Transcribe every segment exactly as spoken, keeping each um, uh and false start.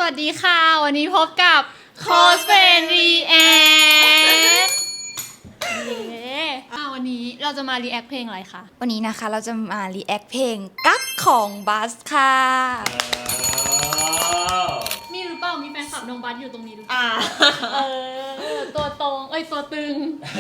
วัสดีค่ะวันนี้พบกับ Cosplay React อ่าวันนี้เราจะมา react เพลงอะไรคะวันนี้นะคะเราจะมา react เพลงกั๊กของบัสค่ะมีหรือเปล่ามีแฟนคลับน้องบัสอยู่ตรงนี้หรือเปล่าอ่าเออตัวตรงเอ้ยตัวตึง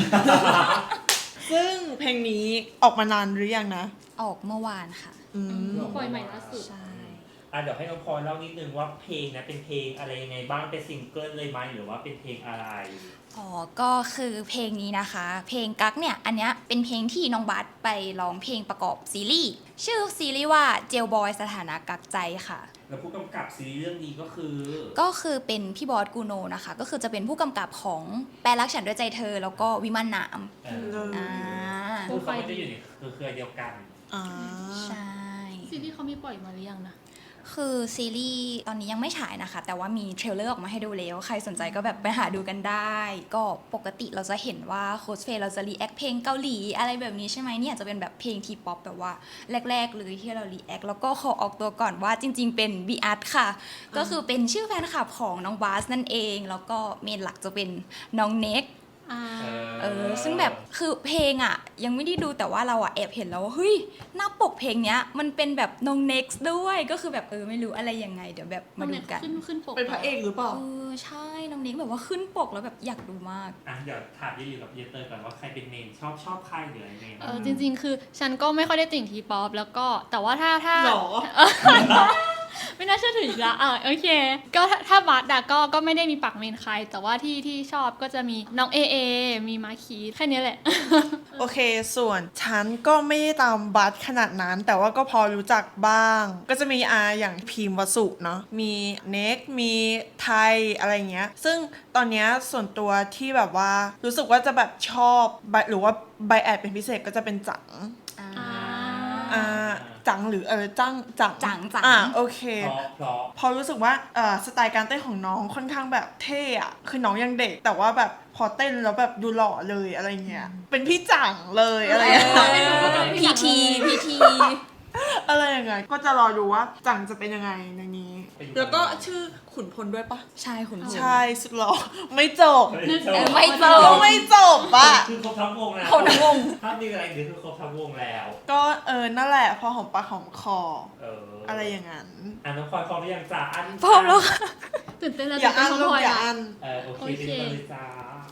ซึ่งเพลงนี้ออกมานานหรือยังนะออกเมื่อวานค่ะอืมปล่อยใหม่ล่าสุดใช่อ่ะเดี๋ยวให้น้องพลอยเล่านิดนึงว่าเพลงนะเป็นเพลงอะไรยังไงบ้างเป็นซิงเกิลเลยไหมหรือว่าเป็นเพลงอะไรอ๋อก็คือเพลงนี้นะคะ เพลงกั๊กเนี่ยอันเนี้ยเป็นเพลงที่น้องบัสไปร้องเพลงประกอบซีรีส์ชื่อซีรีส์ว่าเจลบอยสถานะกักใจค่ะแล้วผู้กำกับซีรีส์เรื่องนี้ก็คือก็คือเป็นพี่บอสกูโนนะคะก็คือจะเป็นผู้กำกับของแปลรักฉันด้วยใจเธอแล้วก็วิมานหนามเอออ่าคือเขาไม่ได้อยู่ในเครือเดียวกันอ่าใช่ซีรีส์เขามีปล่อยมาหรือยังนะคือซีรีส์ตอนนี้ยังไม่ฉายนะคะแต่ว่ามีเทรลเลอร์ออกมาให้ดูแล้วใครสนใจก็แบบไปหาดูกันได้ ก็ปกติเราจะเห็นว่าโคสเฟย์เราจะรีแอคเพลงเกาหลีอะไรแบบนี้ใช่ไหมเนี่ยจะเป็นแบบเพลงทีป๊อปแบบว่าแรกๆเลยที่เรารีแอคแล้วก็ขอออกตัวก่อนว่าจริงๆเป็นบีอาร์ตค่ะก็คือเป็นชื่อแฟนคลับของน้องบาสนั่นเองแล้วก็เมนหลักจะเป็นน้องเน็กเออซึ่งแบบคือเพลงอ่ะยังไม่ได้ดูแต่ว่าเราอ่ะแอบเห็นแล้วว่าเฮ้ยหน้าปกเพลงเนี้ยมันเป็นแบบน้องเน็กซ์ด้วยก็คือแบบเออไม่รู้อะไรยังไงเดี๋ยวแบบมาดูกันขึ้นขึ้นปกเป็นพระเอกหรือเปล่าเออใช่น้องเน็กแบบว่าขึ้นปกแล้วแบบอยากดูมากอ่ะเดี๋ยวถามยี่อยู่กับเยเตอร์ก่อนว่าใครเป็นเมนชอบชอบใครหรืออะไรเมนเออจริงๆ คือฉันก็ไม่ค่อยได้ติ่งทีป๊อปแล้วก็แต่ว่าถ้าถ้าหรอไม่น่าเชื่อถืออีกละอ่ะโอเค ก็ถ้าถ้าบัสอะก็ก็ไม่ได้มีปักเมนใคร แต่ว่าที่ที่ชอบก็จะมีน้องเอเอมีมาคีแค่นี้แหละโอเค ส่วนฉันก็ไม่ได้ตามบัสขนาดนั้น แต่ว่าก็พอรู้จักบ้าง ก็จะมีอาอย่างพิมพ์วสุเนาะ มีเน็ก มีไทยอะไรเงี้ย ซึ่งตอนเนี้ยส่วนตัวที่แบบว่ารู้สึกว่าจะแบบชอบหรือว่าไบแอดเป็นพิเศษก็จะเป็นจังอ่าอ่า จังหรือเออจังจังจังจังอ่าโอเคเพราะเพราะพอรู้สึกว่าเอ่อสไตล์การเต้นของน้องค่อนข้างแบบเท่อะคือน้องยังเด็ก แต่ว่าแบบพอเต้นแล้วแบบดูหล่อเลยอะไรเงี้ย เป็นพี่จังเลยอะไรเงี้ยพีทีพีทีอะไรอย่างเงี้ยก็จะรอดูว่าจังจะเป็นยังไงในนี้ แล้วก็ชื่อขุนพลด้วยปะใช่คุณผู้ชมใช่สุดหล่อไม่จบเออไม่จบก็ไม่จบปะคือครบทั้งวงแล้วคนทั้งวงถ้ามีอะไรคือคือครบทั้งวงแล้วก็เออนั่นแหละพอหอมปากหอมคอเอออะอะไรอย่างนั้นอ่ะน้องพลอยพร้อมหรือยังจ้าอันพร้อมแล้วค่ะตื่นเต้นแล้วอย่าอันตื่ลูเต้กนอย่าพลอันเออโอเคโอเคเป็นเลยจ้า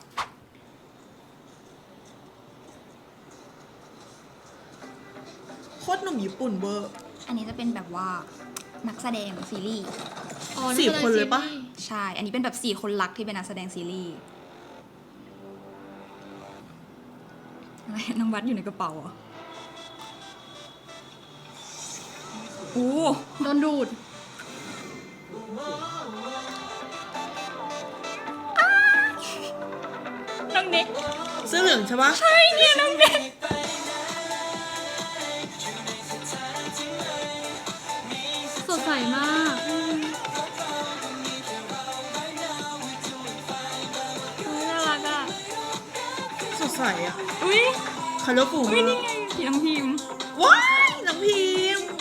โคตรหนุ่มญี่ปุ่นเวอร์อันนี้จะเป็นแบบว่านักแสดงซีรีส์อ๋อสี่คนเลยปะซีรีส์ใช่ อันนี้เป็นแบบสี่คนรักที่เป็นนักแสดงซีรีส์อะไรน้องวัดอยู่ในกระเป๋าเหรอโอ้โดนดูดน้องเน็กเสื้อเหลืองใช่ปะใช่เนี่ยน้องเน็กสดใสมากอุ๊ยน่ารักอ่ะสดใสอะอุ้ยคาร์ลฟูอุ้ยนี่ไงพี่น้องพิมพ์ว้ายน้องพิมพ์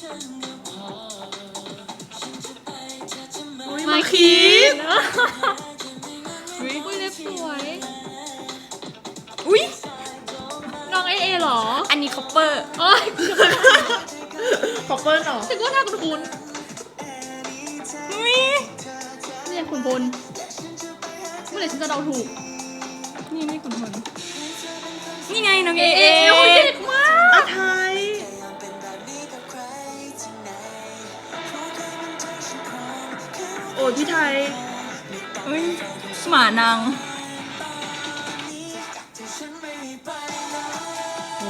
อุ๊ยมามาคีคีดอุ้ยอุ้ยเล็บสวยอุ้ยน้องเอเอเหรออันนี้คอปเปอร์โอ้ยคอปเปอร์เนาะฉันก็น่าคุ้นอุ้ยๆเนี่ยคุณพลเมื่อไหร่ฉันจะเดาถูกนี่นี่คุณพลนี่ไงน้องเอเอเอเอโอ้ยเด็กมากอาไทยโอ้ยพี่ไทยอุ้ยหมานางโอ้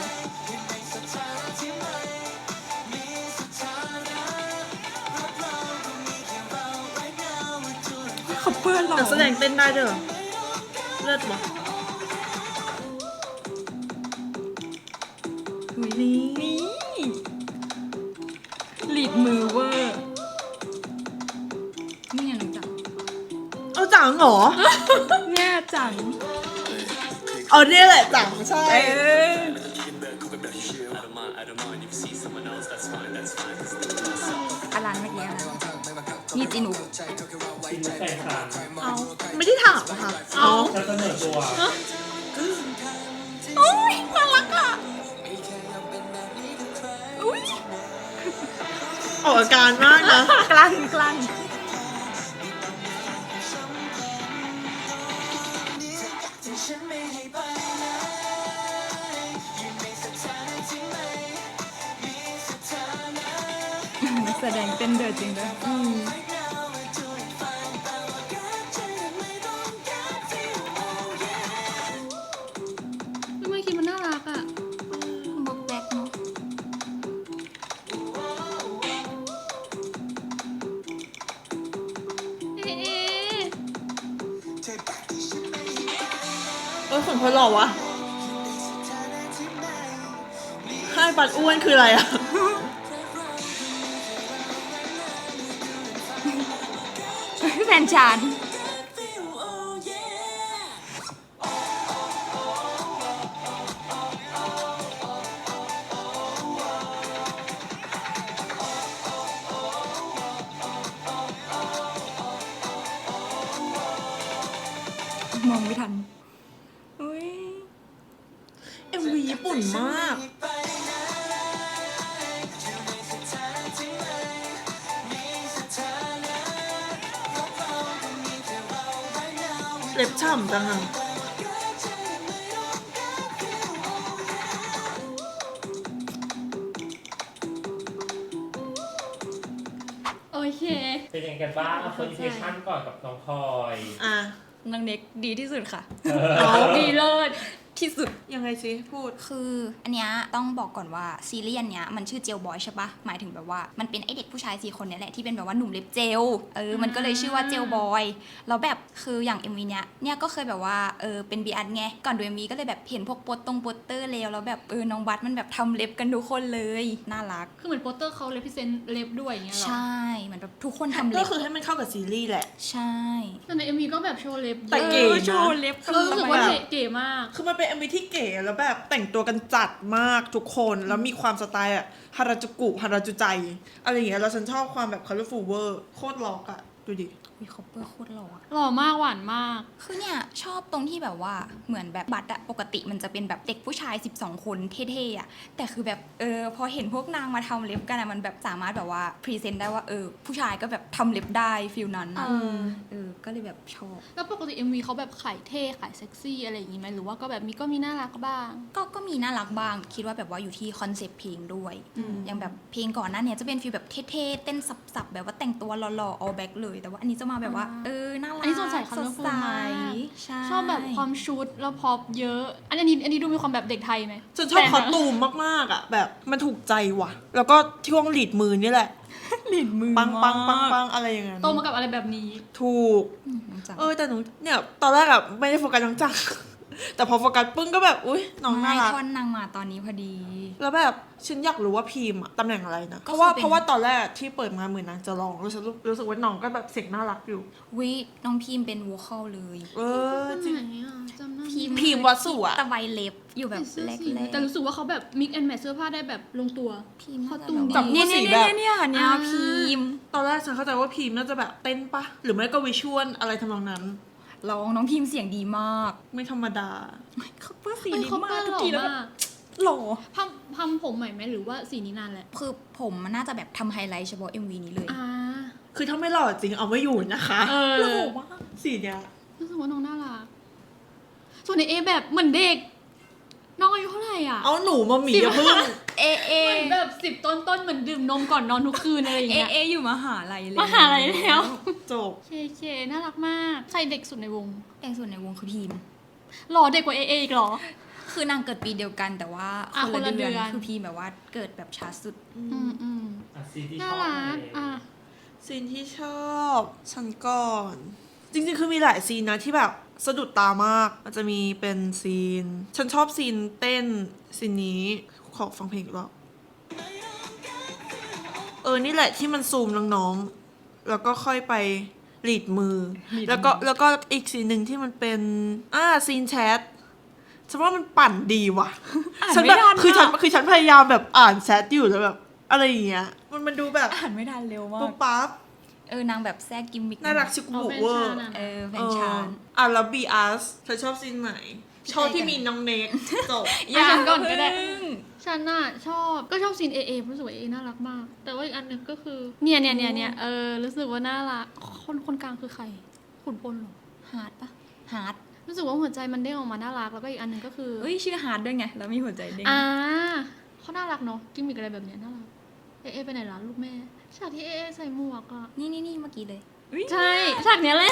คอปเปอร์หรอนักแสดงเต้นได้ด้วยเหรอเลิศวะอุ้ยนี่นี่ลีดมือเวอร์นี่ไงน้องจังเอาจังเหรอเนี่ยจังเอาเนี่ยแหละจังใช่เอ้ยอลันเมื่อกี้นะนี่จีนุกชินแฟนคลับเอาไม่ได้ถามอะค่ะเอาจะเสนอตัวโอ้ยน่ารักอ่ะอุ้ยออกอาการมากนะกลั้นกลั้น แสดงเต้นเดือดจริงด้วยทำไมคิดมันน่ารักอ่ะบอกแบกเนาะเอ๊ะเออคนคนหล่อวะให้บัตรอ้วนคืออะไรอะแฟนฉันมองไม่ทันอุ้ยเอ็มวีญี่ปุ่นมาก เล็บฉ่ำจังอะโอเคเป็นยังไงกันบ้างเอาเฟิร์สอิมเพรสชั่นก่อนกับน้องพลอยอ่ะนางเน็กดีที่สุดค่ะเอาดีเลิศที่สุดยังไงสิพูดคืออันเนี้ยต้องบอกก่อนว่าซีรีส์อันเนี้ยมันชื่อเจลบอยใช่ปะหมายถึงแบบว่ามันเป็นไอเด็กผู้ชายสี่คนเนี่ยแหละที่เป็นแบบว่าหนุ่มเล็บเจลเออมันก็เลยชื่อว่าเจลบอยแล้วแบบคืออย่าง เอ็ม วี เนี้ยเนี่ยก็เคยแบบว่าเออเป็นบีอันไงก่อนดู เอ็ม วี ก็เลยแบบเห็นพวกโปสตรงโปสเตอร์แล้วแล้วแบบเออน้องบัสมันแบบทำเล็บกันทุกคนเลยน่ารักคือเหมือนโปสเตอร์เขาเลพิเซนเล็บด้วยอย่างเงี้ยเหรอใช่เหมือนแบบทุกคนทำก็เล็บคือให้มันเข้ากับซีรีส์แหละใช่แต่ในเอ็มวีก็แบบโชว์เล็บแต่เยอะเก๋ออนะโชว์เล็บคือรู้สึกว่าเก๋มากคือมันเป็น เอ็ม วี ที่เก๋แล้วแบบแต่งตัวกันจัดมากทุกคนแล้วมีความสไตล์อะฮาราจูกุฮาราจูใจอะไรอย่างเงี้ยแล้วฉันชอบความแบบ colorful เวอร์โคตรล็อกอะดูดิมีคอปเปอร์โคตรหล่ออะหล่อมากหวานมากคือเนี่ยชอบตรงที่แบบว่าเหมือนแบบบัตรอะปกติมันจะเป็นแบบเด็กผู้ชายสิบสองคนเท่ๆอะแต่คือแบบเออพอเห็นพวกนางมาทำเล็บกันอะมันแบบสามารถแบบว่าพรีเซนต์ได้ว่าเออผู้ชายก็แบบทำเล็บได้ฟิลนั้นอะเออเออก็เลยแบบชอบแล้วปกติ เอ็ม วี เขาแบบขายเท่ขายเซ็กซี่อะไรอย่างงี้ไหมหรือว่าก็แบบมีก็มีน่ารักบ้างก็ก็มีน่ารักบ้างคิดว่าแบบว่าอยู่ที่คอนเซปต์เพลงด้วยอืมอย่างแบบเพลงก่อนหน้าเนี้ยจะเป็นฟีลแบบเท่ๆเต้นสับๆแบบว่าแต่งตัวหล่อๆ all back เลยแต่ว่าอันนี้จะมาแบบว่าอ่าเออน่ารักอันนี้สดใสสด colourful ใสมากใช่ชอบแบบความชุดแล้วพอปเยอะ อันนี้อันนี้ดูมีความแบบเด็กไทยไหมฉันชอบแต่คอสตูมมากๆอะแบบมันถูกใจว่ะ แล้วก็ช่วงหลีดมือนี่แหละหลินมือปังปังปังมากปังอะไรอย่างเงี้ยโตมากับอะไรแบบนี้ถูกอืมน้องจังเออแต่หนูเนี่ยตอนแรกอะไม่ได้โฟกัสน้องจัง แต่พอโฟกัสปึ้งก็แบบอุ้ยน้องน่าไม่รักท่อนนางมาตอนนี้พอดีแล้วแบบฉันอยากรู้ว่าพีมอะตำแหน่งอะไรนะก็เพราะว่าคือเป็นเพราะว่าตอนแรกที่เปิดมาเหมือนนางจะร้องแล้วฉันรู้รู้สึกว่าน้องก็แบบเสียงน่ารักอยู่วิน้องพิมเป็นวอลคอลเลยเออจริงไหนอ่ะจำหน้าพิมพิมพ์วัสสุอะตะไบเล็บอยู่แบบเสื้อแรกสีแรกแต่รู้สึกว่าเขาแบบมิกแอนแมทเสื้อผ้าได้แบบลงตัวพิมเขาตูมดีจับคู่เนี่ยสีเนี่ยแบบเนี่ยเนี่ยอ่าพิมตอนแรกฉันเข้าใจว่าพีมน่าจะแบบเต้นปะหรือไม่ก็วิชวลอะไรทำนองนั้นร้องน้องพิมเสียงดีมากไม่ธรรมดาเขาเปิ้ลสีเอ้ยดีเขามาเปิ้กลทุหกล่อทีแล้วแบบมากหล่อทำทำผมใหม่ไหมหรือว่าสีนี้นานแหละคือผมมันน่าจะแบบทำไฮไลท์เฉพาะ เอ็ม วี นี้เลยอ่าคือถ้าไม่หล่อจริงเอาไม่อยู่นะคะเอหล่ออมากสีเนี้ยรู้สึกว่าน้องน่ารักส่วนในเอแบบเหมือนเด็ก น้องอายุเท่าไหร่อ่ะเอาหนูมาหมีอย่าเพิ่งเอเอเหมือนแบบสิบต้นต้นๆเหมือนดื่มนมก่อนนอนทุกคืนอะไรอย่างเอเงี้ยเออยู่มหาลัยเลยมหาลัยแล้วจบเคเคน่ารักมากใครเด็กสุดในวงแต่งส่วนในวงคือพิมหล่อเด็กกว่าเอเออีกเหรอคือนางเกิดปีเดียวกันแต่ว่าอ่ะคนละคนละเดือนเดือนคือพิมแบบว่าเกิดแบบช้าสุดอืมอืมอ่ะซีนที่ชน่าอบรัอะกไรอ่ะซีนที่ชอบฉันก่อน จริงๆ คือมีหลายซีนนะที่แบบสะดุดตามาก มันจะมีเป็นซีน ฉันชอบซีนเต้นซีนนี้ขอฟังเพลงอีกรอบเออ นี่แหละที่มันซูมน้องๆ แล้วก็ค่อยไปหลีดมือ แล้วก็แล้วก็อีกซีนหนึ่งที่มันเป็นอ่าซีนแชทฉันว่ามันปั่นดีว่ะอ่านฉันไม่แบบทันคือฉันอะคือฉันพยายามแบบอ่านแชทอยู่แล้วแบบอะไรอย่างเงี้ย มันมันดูแบบอ่านไม่ทันเร็วมาปุ๊กบปั๊บเออนางแบบแทรกกิมมิคน่ารักชิคเอาบุเป็นเวอชาร์นะเออแฟนชานอ่ะแล้วบีอาร์สเธอชอบซีนไหน ชอบที่มีน้องเนกจบอ่ะฉันก่อนก็ได้เพิ่งฉันน่ะชอบก็ชอบซีนเอเอรู้สึกว่าเอน่ารักมาก แต่ว่าอีกอันหนึงก็คือเนี่ยเนี่ยเนี่ยเนี่ยเออรู้สึกว่าน่ารักคนคนกลางคือใครขุนพลเหรอฮาร์ดปะฮาร์ดรู้สึกว่าหัวใจมันเด้งออกมาน่ารักแล้วก็อีกอันหนึงก็คือเอ้ยชื่อฮาร์ดด้วยไงแล้วมีหัวใจเด้งอ่าเขาน่ารักเนาะกิมมิกอะไรแบบเนี้ยน่ารักเอเอไปไหนล่ะลูกแม่ฉากที่เอเอใส่หมวกอ่ะนี่นี่นี่เมื่อกี้เลยอุ๊ยใช่ฉากเนี้ยแหละ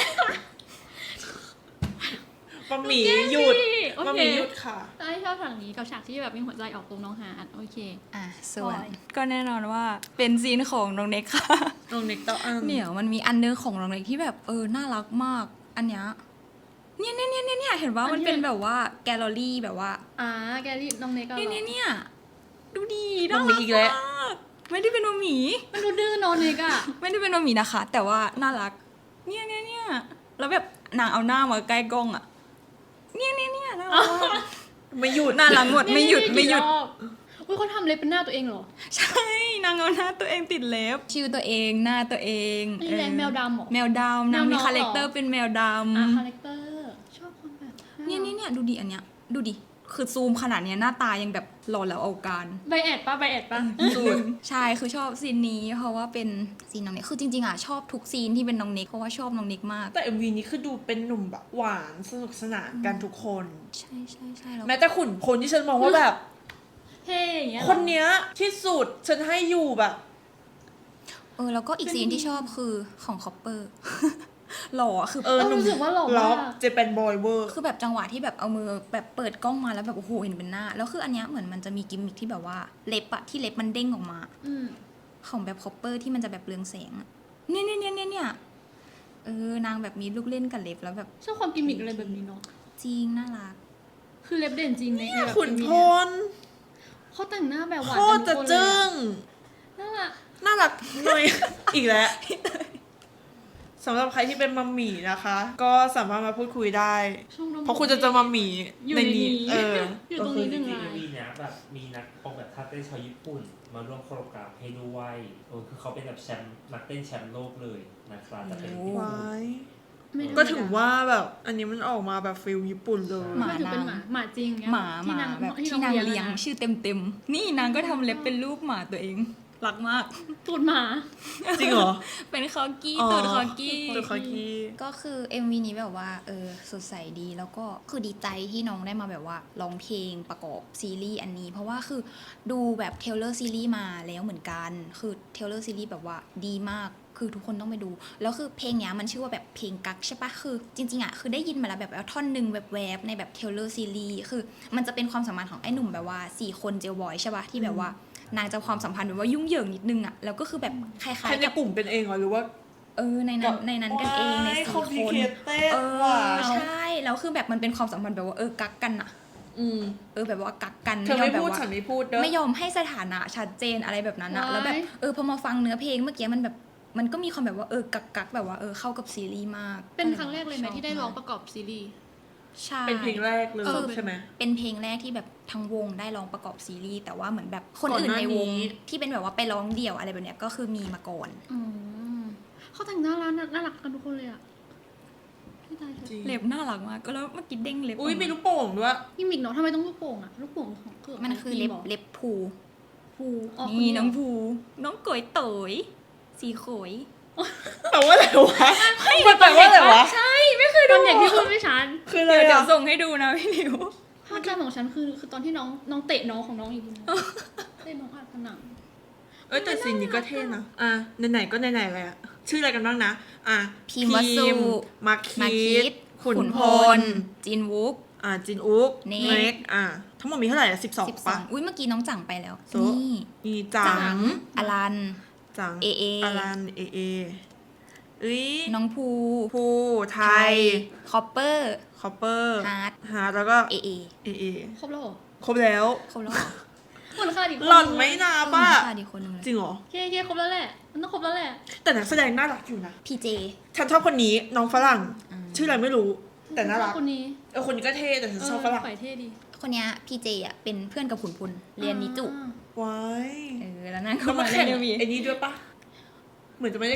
บะหมี่หยุดโอเคบะหมี่หยุดค่ะใช่ชอบฉากนี้กับฉากที่แบบมีหัวใจออกตรงน้องฮาร์ดโอเคอ่ะส่วนปล่อยก็แน่นอนว่าเป็นซีนของน้องเน็กค่ะน้องเนกต่ออันเดี๋ยวมันมีอันนึงของน้องเน็กที่แบบเออน่ารักมาก อันเนี้ยเนี่ยเนี่ยเนี่ยเนี่ยเนี่ยเห็นว่ามันเป็นแบบว่าแกลเลอรี่แบบว่าอ่าแกรี่น้องเนกก็เนี่ยเนี่ยเนี่ยดูดีน้น่าองรัมีอีกแล้วมากไม่ได้เป็นโนหมีมันดูดื้อเนอะเนกอะไม่ได้เป็นโนหมีนะคะ แต่ว่าน่ารัก เนี่ยเนี่ยเนี่ยแล้วแบบนางเอาหน้ามาใกล้กล้องอะเนี่ยเนี่ยเนี่ยน่ารักมากไม่หยุดน่ารักหมดไม่หยุดไม่หยุดอุ้ยเขาทำเล็บเป็นหน้าตัวเองเหรอใช่นางเอาหน้าตัวเองติดเล็บชื่อตัวเองหน้าตัวเองนี่แหละแมวดำเหรอแมวดำนางแมวน้มีองคาแรคเตอเหรร์อเป็นแมวดอ่ะคาำแรคเตอร์ชอบคนแบบเนี่ยเนี่ยเนี่ยดูดิอันเนี้ยดูดิคือซูมขนาดเนี้ยหน้าตายังแบบหล่อแล้วเอาการใบแอดปะใบแอดปะสุดใช่คือชอบซีนนี้เพราะว่าเป็นซีนน้องเน็กคือจริงๆอ่ะชอบทุกซีนที่เป็นน้องเน็กเพราะว่าชอบน้องเน็กมากแต่ เอ็ม วี นี้คือดูเป็นหนุ่มแบบหวานสนุกสนานกันทุกคนใช่ใช่ใช่แล้วแม้แต่ขุนพลที่ฉันมองว่าแบบเท่อย่างเงี้ยเหรอคนเนี้ยที่สุดฉันให้อยู่แบบเออแล้วก็อีกซีนที่ชอบคือของคอปเปอร์ หล่อคือเออหนุ่มรู้สึกว่าหล่อล็อมากกเจแปนบอยเวอร์คือแบบจังหวะที่แบบเอามือแบบเปิดกล้องมาแล้วแบบโอ้โหเห็นเป็นหน้า แล้วคืออันเนี้ยเหมือนมันจะมีกิมมิคที่แบบว่าเล็บอะที่เล็บมันเด้งออกมาอืมของแบบคอปเปอร์ที่มันจะแบบเรืองแสงอะเนี่ยเนี่ยเนี่ยเนี่ยเนี่ยเออนางแบบมีลูกเล่นกับเล็บแล้วแบบชอบความกิมมิกอะไรแบบนี้เนาะจริงน่ารักคือเล็บเด่นจริงในในแบบขุนพลเขาแต่งหน้าแบบหวานโคตรจะจึ้งน่ารักน่ารักหน่อย อีกแล้วสำหรับใครที่เป็นมัมหมี่นะคะ ก็สามารถมาพูดคุยได้ช่องน้องเพราะคุณจะเจอมัมหมี่อยู่ในในนี้นี้เอออยู่ก็ตรงคือนี้จหนึ่งริงลายๆมีนะแบบมีนักออกแบบท่าเต้นชาวญี่ปุ่น มาร่วมโคโรกราฟให้ด้วยเออคือเขาเป็นแบบแชมป์นักเต้นแชมป์โลกเลยนะครับแต่เป็นญี่ปุ่นว้ายไม่ธรรมดก็ถึงว่าแบบ อันนี้มันออกมาแบบฟิลญี่ปุ่นเลยหมาไม่ถือเป็นหมาหมาจริงเงี้ยหมาหที่มานางแบบที่ที่นางเลี้ยงอะชื่อเต็มเต็มๆนี่นางก็ทำเล็บเป็นรูปหมาตัวเองรักมากตูดหมาจริงเหรอเป็นคอกี้อ๋อตูดคอกี้ตัวคอกี้ก็คือ เอ็ม วี นี้แบบว่าเออสดใสดีแล้วก็คือดีใจที่น้องได้มาแบบว่าร้องเพลงประกอบซีรีส์อันนี้ เพราะว่าคือดูแบบเทเลอร์ซีรีส์มาแล้วเหมือนกันคือเทเลอร์ซีรีส์แบบว่าดีมากคือทุกคนต้องไปดู แล้วคือเพลงเนี้ยมันชื่อว่าแบบเพลงกักใช่ปะคือจริงๆอ่ะคือได้ยินมาแล้วแบบท่อนหนึ่งแบบแวบๆในแบบเทเลอร์ซีรีส์คือมันจะเป็นความสัมพันธ์ของไอ้หนุ่มแบบว่าสี่คนเจลบอยใช่ปะที่แบบว่านางจะความสัมพันธ์แบบว่ายุ่งเหยิงนิดนึงอ่ะแล้วก็คือแบบคล้ายใครๆในกับกลุ่มเป็นเองเหรอหรือว่าเออในนั้นในนั้นกันเองในว้ายสี่คอมพลีคนเคเต็ดเอว่ะอใช่แล้วคือแบบมันเป็นความสัมพันธ์แบบว่าเออกักกันอะอืมเออแบบว่ากักกันเธอไม่ยอมแบบพูดว่าฉันไม่พูดเด้อไม่ยอมให้สถานะชัดเจนอะไรแบบนั้นอะว้ายแล้วแบบเออพอมาฟังเนื้อเพลงเมื่อกี้มันแบบมันก็มีความแบบว่าเออกักกักแบบว่าเออเข้ากับซีรีส์มากเป็นครั้งแรกเลยไหมที่ได้ร้องประกอบซีรีส์ใช่เป็นเพลงแรกเลยเออใช่ไหมเป็นเพลงแรกที่แบบทั้งวงได้ร้องประกอบซีรีส์แต่ว่าเหมือนแบบคนก่อนอื่นหน้าในวงนี้ที่เป็นแบบว่าไปร้องเดี่ยวอะไรแบบเนี้ยก็คือมีมาก่อนอืมเขาแต่งหน้าร้านน่ารักกันทุกคนเลยอ่ะพี่ตายเถจริอะงเล็บน่ารักมากก็แล้วเมื่อกี้เด้งเล็บอุ้ยกามีลูกโป่งด้วยกิมมิกเนาะทำไมต้องลูกโป่งอ่ะลูกโป่งของคือมันคือเล็บหรเล็บพูภูอ๋อนี่คน้องเดียวภูน้องก๋อยเต๋ยสีโขยแต่ว่าอะไรวะมันแปลว่าอะไรวะใช่ไม่เคยตดูอนเด็กที่พูดไม่ชัดคืออะไรเดี๋ยวเดี๋ยวอะส่งให้ดูนะพี่หลิวภาพจำของฉันคือคือตอนที่น้องน้องเตะน้องของน้องอีกทีนึงเตะน้องอัดผนังเอ้ยแต่ซีนนี้ก็เท่นะ อ่ะไหนๆก็ไหนๆเลยอะชื่ออะไรกันบ้างนะ อ่ะพิมพ์วสุมาคิมาคิดดขุนพลจินวุกอ่ะจินอุ๊กเนเน็กอ่ะทั้งหมดมีเท่าไหร่อะสิบสองสิบสอปะงอุ้ยเมื่อกี้น้องจังไปแล้วโซนี่มีจัจังงอลันจังเอเออลันเอเอเอ้ยน้องภูภูไทยคอปเปอร์คอปเปอร์ฮาร์ดฮาร์ดแล้วก็เอเอเอเอครบแล้วเหรอครบแล้วเขาแล้วเหรอเหมือนขาดอีกคนหล่อนไม่นาเออป่ะขาดอีกคนนึงเลยจริงเหรอเคเคครบแล้วแหละมันต้องครบแล้วแหละแต่นักแสดงน่ารักอยู่นะพีเจฉันชอบคนนี้น้องฝรั่งอืมชื่ออะไรไม่รู้ แต่น่ารักคนนี้เออคนนี้ก็เท่แต่ฉันชอบฝรั่งฝ่ายเท่ดีคนเนี้ยพีเจอ่ะเป็นเพื่อนกับขุนพลเรียนนิจุอ่าว้ายเออแล้วนั่นแล้ก็วมามาเล่แข่นงเอ็มวีไอ้นี้ด้วยปะเหมือนจะไม่ได้แข่ง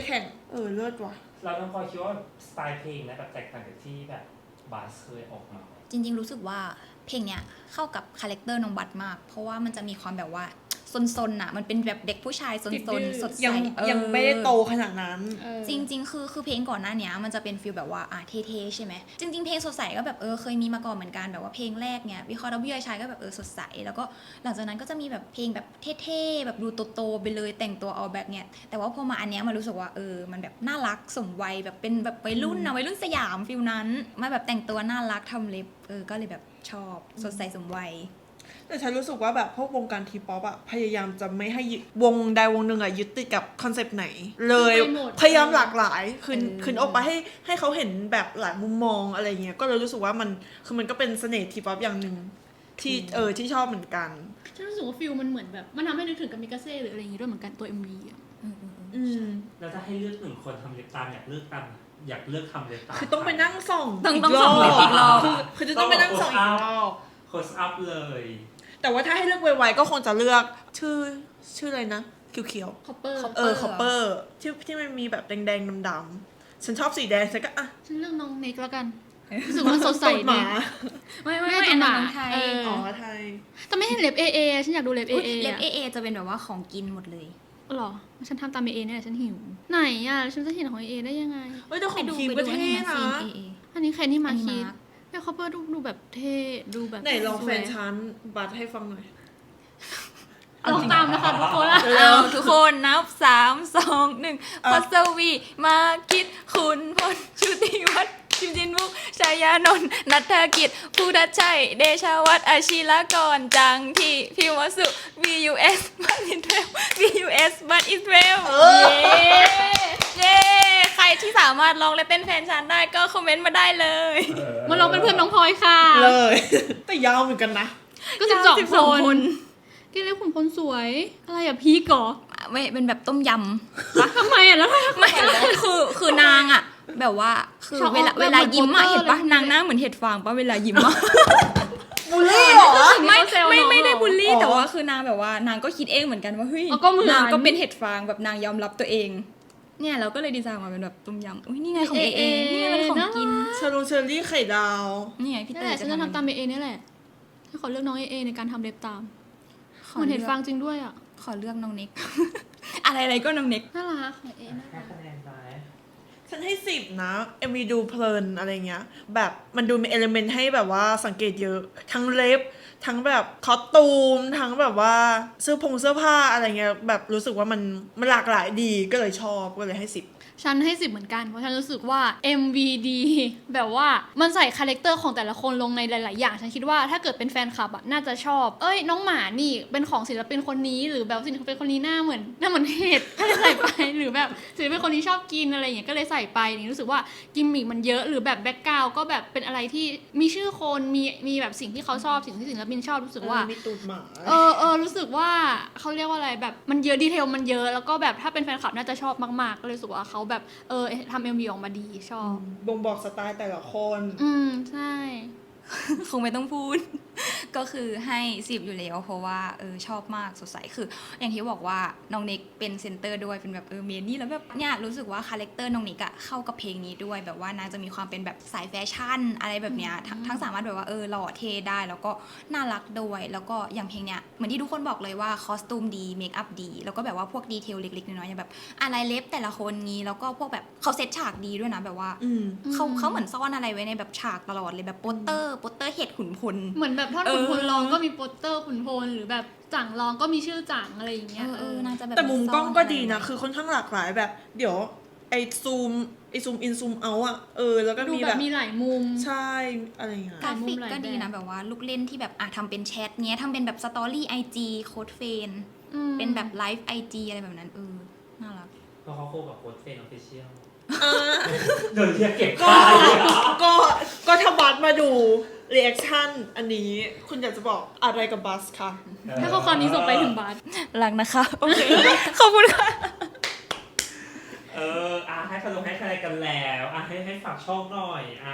เออเลิศว่ะเราต้องพอคิดว่าสไตล์เพลงนะแบบแตกต่างจากที่แบบบาสเคยออกมาจริงๆรู้สึกว่าเพลงเนี้ยเข้ากับคาแรคเตอร์น้องบัตมาก เพราะว่ามันจะมีความแบบว่าซนๆน่ะมันเป็นแบบเด็กผู้ชายซติดดื้นอๆสดใสยังเออยังไม่ได้โตขนาดนั้นเออจริงๆ คือคือเพลงก่อนหน้าเนี้ยมันจะเป็นฟีลแบบว่าอ่ะเท่ๆใช่ไหมจริงๆ เพลงสดใสก็แบบเออเคยมีมาก่อนเหมือนกันแบบว่าเพลงแรกเนี่ยวิเคราะห์ดับเบิลยูไอชายก็แบบเออสดใสแล้วก็หลังจากนั้นก็จะมีแบบเพลงแบบเท่ๆแบบดูโตๆไปเลยแต่งตัวเอาแบบเนี้ยแต่ว่าพอมาอันเนี้ยมันรู้สึกว่าเออมันแบบน่ารักสมวัยแบบเป็นแบบวัยรุ่นนะวัยรุ่นสยามฟีลนั้นมาแบบแต่งตัวน่ารักทำเล็บเออก็เลยแบบชอบสดใสสมวัยแต่ฉันรู้สึกว่าแบบพวกวงการทีป๊อปอะพยายามจะไม่ให้ยึดวงใดวงหนึ่งอะยึดติดกับคอนเซปต์ไหน เลยไปหมดพยายามหลากหลายคืนเออคืนออกไปให้ให้เขาเห็นแบบหลายมุมมองอะไรเงี้ยก็เลยรู้สึกว่ามันคือมันก็เป็นเสน่ห์ทีป๊อปอย่างหนึ่งที่เออที่ชอบเหมือนกันฉันรู้สึกว่าฟิลมันเหมือนแบบมันทำให้นึกถึงกามิกาเซ่หรืออะไรอย่างงี้ด้วยเหมือนกันตัว เอ็ม วี อ่ะอืมแล้วถ้าให้เลือกหนึ่งคนทำเล็บตามอยากเลือกตามอยากเลือกทำเล็บตามคือต้องไปนั่งส่องต้องอีกต้องรส่อองบอีกรอบคือคือจะต้องไปนั่งส่องอีกรอบโคสอัพเลยแต่ว่าถ้าให้เลือกไวๆก็คงจะเลือกชื่อชื่ออะไรนะเขียวคอปเปอร์ๆเออคอปเปอร์ที่ที่มันมีแบบแดงๆดำๆฉันชอบสีแดงฉันก็อ่ะฉันเลือกน้องเน็กแล้วกันรู้สึกว่ามันสดใสตูดหดีมาไม่ไม่ไม่ไม่ตูอัดนหนั้มานน้องไทยเอออ๋อไทยแต่ไม่เห็นเล็บเอเอฉันอยากดูเล็บเออุ๊ยเอเล็บเอเอจะเป็นแบบว่าของกินหมดเลยหรอฉันทำตามเอเอเนี่ยแหละฉันหิวไหนอ่ะฉันจะเห็นของเอเอได้ยังไงเฮ้ยแต่ของไปดูคิมไปก็ดูเท่ให้นะซีนเอเออันนี้ใครนี่มาอันนี้คิดมาร์คแม่คอปเปอร์ดูดูแบบเท่ดูแบบไหนลองแฟนสวยฉันบัตรให้ฟังหน่อยลองตามนะคะทุกคนอะเอาทุกคนนับสามสองหนึ่งเอ่อพัสวีมาคิดคุณพลชุติวัฒน์ชิมจินมุกชายานนท์นัทธกิจภูทัชชัยเดชาวัฒน์อาชีลกรจังที่พิมวสุ วี ยู เอส บัตอิสเวล วี ยู เอส บัตอิสเวลเออเย้เย้ใครที่สามารถร้องและเต้นแฟนฉันได้ก็คอมเมนต์มาได้เลยมาลองเป็นเพื่อนน้องพลอยค่ะเลย แต่ยาวเหมือนกันนะก็สิบสองสิบสองคคน นกินเล็บขุนพลสวย อะไรอะพีกเหรอไม่เป็นแบบต้มยทำไมอะแล้วำไม่คือคือนางอะแบบว่าคือชอบเวลาแบบเวลายิ้มอะเหมือนเห็นปะโปสเตอร์เลยนางหน้าเหมือนเห็ดฟางปะเวลายิ้มอะบูลลี่เหรอไม่เขาแซวไม่น้องไม่ได้เหรอบูลลี่อ๋อแต่ว่าคือนางแบบว่านางก็คิดเองเหมือนกันว่าเฮ้ยอ๋อก็เหมือนนางก็เป็นเห็ดฟางแบบนางยอมรับตัวเอง เนี่ยเราก็เลยดีไซน์ออกมาเป็นแบบต้มยำอุ้ยนี่ไงของเอเอนี่ไงเป็นของกินชาลูเชอรี่ไข่ดาวนี่ไงพี่นั่เตนยแหละฉันจะทำตามเอเอนี่แหละให้ขอเลือกน้องเอเอในการทำเล็บตามขเหมือนอเห็เลืดอกฟางจริงด้วยอ่ะขอเลือกน้องเน็ก อะไรอะไรก็น้องเน็กน่ารักของเอน่าให้รักคะแนนไปฉันให้สิบนะ เอ็มวีดูเพลินอะไรเงี้ย แบบมันดูมีเอลิเมนต์ให้แบบว่าสังเกตเยอะ ทั้งเล็บ ทั้งแบบคอสตูม ทั้งแบบว่าเสื้อผงเสื้อผ้าอะไรเงี้ย แบบรู้สึกว่ามันมันหลากหลายดีก็เลยชอบก็เลยให้สิบฉันให้สิบเหมือนกันเพราะฉันรู้สึกว่า เอ็ม วี ดี แบบว่ามันใส่คาแรคเตอร์ของแต่ละคนลงในหลาย ๆ อย่าง ฉันคิดว่าถ้าเกิดเป็นแฟนคลับอ่ะน่าจะชอบ เอ้ยน้องหมานี่เป็นของศิลปินคนนี้หรือแบบศิลปินคนนี้หน้าเหมือนหน้าเหมือนเห็ดก็เลยใส่ไป หรือแบบศิลปินคนนี้ชอบกินอะไรอย่างเงี้ยก็เลยใส่ไปนี่รู้สึกว่ากิมมิคมันเยอะหรือแบบแบ็คกราวด์ก็แบบเป็นอะไรที่มีชื่อคนมีมีแบบสิ่งที่เขาชอบสิ่งที่ศิลปินชอบรู้สึกว่ามีตูดหมาเออเออรู้สึกว่าเขาเรียกว่าอะไรแบบมันเยอะดีเทลมันเยอะแล้วก็แบบถ้าเป็นแฟนคลับน่าจะชอบมากๆก็เลยรู้สึกว่าเขาแบบเออทำเอ็มวีออกมาดีชอบบ่งบอกสไตล์แต่ละคนอืมใช่คงไม่ต้องพูด ก็คือให้สิบอยู่แล้วเพราะว่าเออชอบมากสดใสคือ อย่างที่บอกว่าน้องเน็กเป็นเซนเตอร์ด้วยเป็นแบบเออเมนนี่แล้วแบบเนี่ยรู้สึกว่าคาแรคเตอร์น้องเน็กอะเข้ากับเพลงนี้ด้วยแบบว่านางจะมีความเป็นแบบสายแฟชั่นอะไรแบบเนี้ยทั้งทั้งสามารถแบบว่าเออหล่อเท่ได้แล้วก็น่ารักด้วยแล้วก็อย่างเพลงเนี้ยเหมือนที่ทุกคนบอกเลยว่าคอสตูมดีเมคอัพดีแล้วก็แบบว่าพวกดีเทลเล็กๆน้อยๆอย่างแบบอะไรเล็บแต่ละคนงี้แล้วก็พวกแบบเขาเซตฉากดีด้วยนะแบบว่าอืมเขาเขาเหมือนซ่อนอะไรไว้ในแบบฉากตลอดเลยแบบโปสเตอร์โปสเตอร์เห็ดขุนพลเหมือนแบบท่อนเออขุนพลร้องก็มีโปสเตอร์ขุนพลหรือแบบจังร้องก็มีชื่อจังอะไรอย่างเงี้เอย อเออนางจะแบบแต่มุมกล้องก็ซ่นดีนะไรไว้คือค่อนข้างหลากหลายแบบ เดี๋ยวไอซูมไอซูมอินซูมเอาอะเออ แล้วก็ดูมีแบแบบ บมีหลายมุมใช่อะไรอย่างเงี้ยกราฟิกหลายมุมหลายก็ดีแบบนะแบบว่าลูกเล่นที่แบบอ่ะทำเป็นแชทเนี้ยทำเป็นแบบสตอรี่ไอจีโค้ดเฟนอืมเป็นแบบไลฟ์ไอจีอะไรแบบนั้นเออน่ารักเพราะเขาโคกับโค้ดเฟนออฟฟิเชียลอ่าโดนเรียกเก็บก็ค่าเลยเหรอก็ก็ถ้าบัสมาดูรีแอคชั่นอันนี้คุณอยากจะบอกอะไรกับบัสคะถ้าข้อความนี้ส่งไปถึงบาสรักนะคะโอเค ขอบคุณค่ะเอออ่ะให้คะแนนให้คะแนนกันแล้วอ่ะให้ให้ฝากช่องหน่อยอ่ะ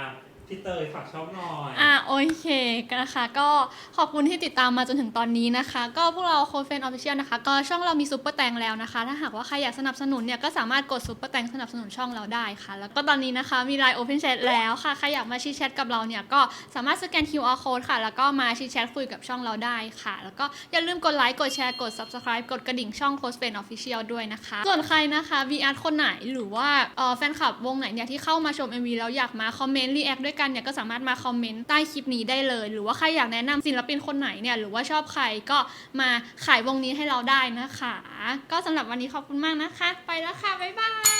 พี่เตยฝากช่องหน่อยอ่ะโอเคนะคะก็ขอบคุณที่ติดตามมาจนถึงตอนนี้นะคะ ก็พวกเราโค้ดเฟนออฟฟิเชียลนะคะก็ช่องเรามีซุปเปอร์แตงแล้วนะคะ ถ้าหากว่าใครอยากสนับสนุนเนี่ยก็สามารถกดซุปเปอร์แตงสนับสนุนช่องเราได้ค่ะ แล้วก็ตอนนี้นะคะมี ไลน์ Open Chat แล้วค่ะใครอยากมาชิดแชทกับเราเนี่ยก็สามารถสแกน คิว อาร์ Code ค่ะแล้วก็มาชิดแชทคุยกับช่องเราได้ค่ะ แล้วก็อย่าลืมกดไลค์กดแชร์กด Subscribe กดกระดิ่งช่องโค้ดเฟนออฟฟิเชียลด้วยนะคะส่วนใครนะคะ วี อาร์ คนไหนหรือว่าเอ่อแฟนคลับวงไหนเนี่ยที่เข้ามาชม เอ็ม วี แล้วอยากมาคอมเมนต์รีแอคด้วยกันเนี่ยก็สามารถมาคอมเมนต์ใต้คลิปนี้ได้เลย หรือว่าใครอยากแนะนำศิลปินคนไหนเนี่ยหรือว่าชอบใครก็มาขายวงนี้ให้เราได้นะคะ ก็สำหรับวันนี้ขอบคุณมากนะคะ ไปแล้วค่ะบ๊ายบาย